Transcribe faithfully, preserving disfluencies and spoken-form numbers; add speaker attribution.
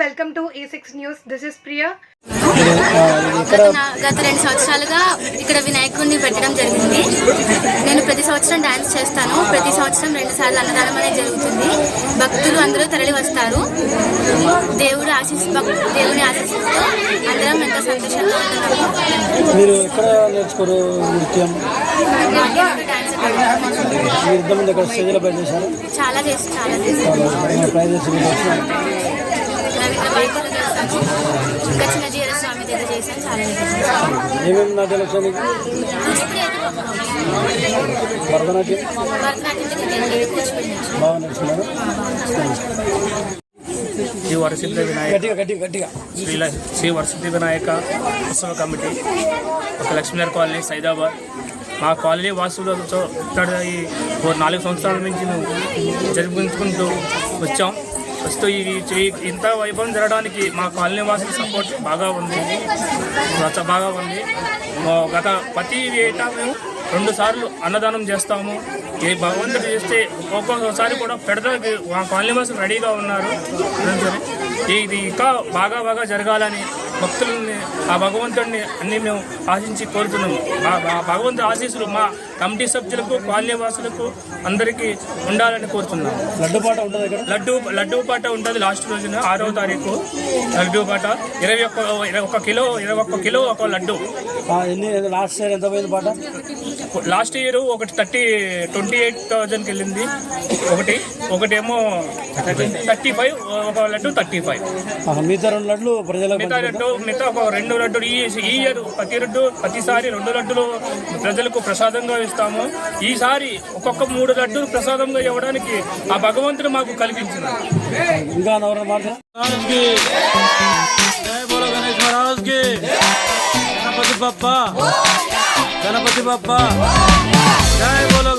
Speaker 1: Welcome to A six news. This is Priya.
Speaker 2: గత గత రెండు సంవత్సరాలుగా ఇక్కడ వినాయకుడిని పెట్టడం జరిగింది. నేను ప్రతి సంవత్సరం డాన్స్ చేస్తాను. ప్రతి సంవత్సరం రెండు సార్లు అన్నదానం అనేది జరుగుతుంది. భక్తులు అందరూ తరలి వస్తారు. దేవుడు ఆశీస్ దేవుని ఆశీస్సుతో అందరం ఎంతో సంతోషంగా ఉంటున్నాము.
Speaker 3: మీరు ఎక్కడ నేర్చుకోరు నృత్యం?
Speaker 2: చాలా చేసి చాలా చేసి ఇంకా చిన్న జీర స్వామి దగ్గర చేశాను. చాలా
Speaker 3: ఏమేమి నాట్యాలు వచ్చాయి? భరతనాట్యం బాగా నేర్చుకున్నారు.
Speaker 4: శ్రీ వరసిద్ధి వినాయక శ్రీ శ్రీ వరసిద్ధి వినాయక ఉత్సవ కమిటీ ఒక లక్ష్మీనగర్ కాలనీ సైదాబాద్. మా కాలనీ వాసులతో ఇక్కడ ఈ నాలుగు సంవత్సరాల నుంచి మేము జరుపుకుంటూ వచ్చాం. వస్తూ ఈ ఇంత వైభవం జరగడానికి మా కాలనీ వాసుల సపోర్ట్ బాగా ఉంది బాగా ఉంది గత ప్రతి ఏటా మేము రెండు సార్లు అన్నదానం చేస్తాము. ఏ భగవంతుడు చేస్తే ఒక్కొక్కసారి కూడా పెడతానికి మా కాలనీ వాసులు రెడీగా ఉన్నారు. ఇది ఇంకా బాగా బాగా జరగాలని భక్తులని ఆ భగవంతుడిని అన్ని మేము ఆశించి కోరుతున్నాము. ఆ భగవంతుడి ఆశీస్సులు మా కమిటీ సభ్యులకు కాలనీ వాసులకు అందరికీ ఉండాలని కోరుతున్నాము.
Speaker 3: లడ్డు పాట ఉంటుంది.
Speaker 4: లడ్డు లడ్డు పాట ఉంటుంది లాస్ట్ రోజున ఆరవ తారీఖు లడ్డు పాట. ఇరవై ఒక్క ఇరవై ఒక్క కిలో ఇరవై ఒక్క కిలో ఒక లడ్డు.
Speaker 3: లాస్ట్ ఇయర్ ఎంత పోయింది పాట?
Speaker 4: లాస్ట్ ఇయర్ ఒకటి థర్టీ ట్వంటీ ఎయిట్ థౌజండ్కి వెళ్ళింది. ఒకటి ఒకటేమో థర్టీ ఫైవ్ ఒక లడ్డు థర్టీ ఫైవ్
Speaker 3: మిగతా రెండు లడ్లు ప్రజలకు
Speaker 4: మిగతా లడ్డు మిగతా ఒక రెండు లడ్డులు ఈ ఈ ఇయర్ ప్రతి లడ్డు ప్రతిసారి రెండు లడ్డులు ప్రజలకు ప్రసాదంగా ఇస్తాము. ఈసారి ఒక్కొక్క మూడు లడ్డులు ప్రసాదంగా ఇవ్వడానికి ఆ భగవంతుడు మాకు కల్పించింది.
Speaker 3: ఇంకా గణపతి బప్పా గణపతి బప్పా జై బోలో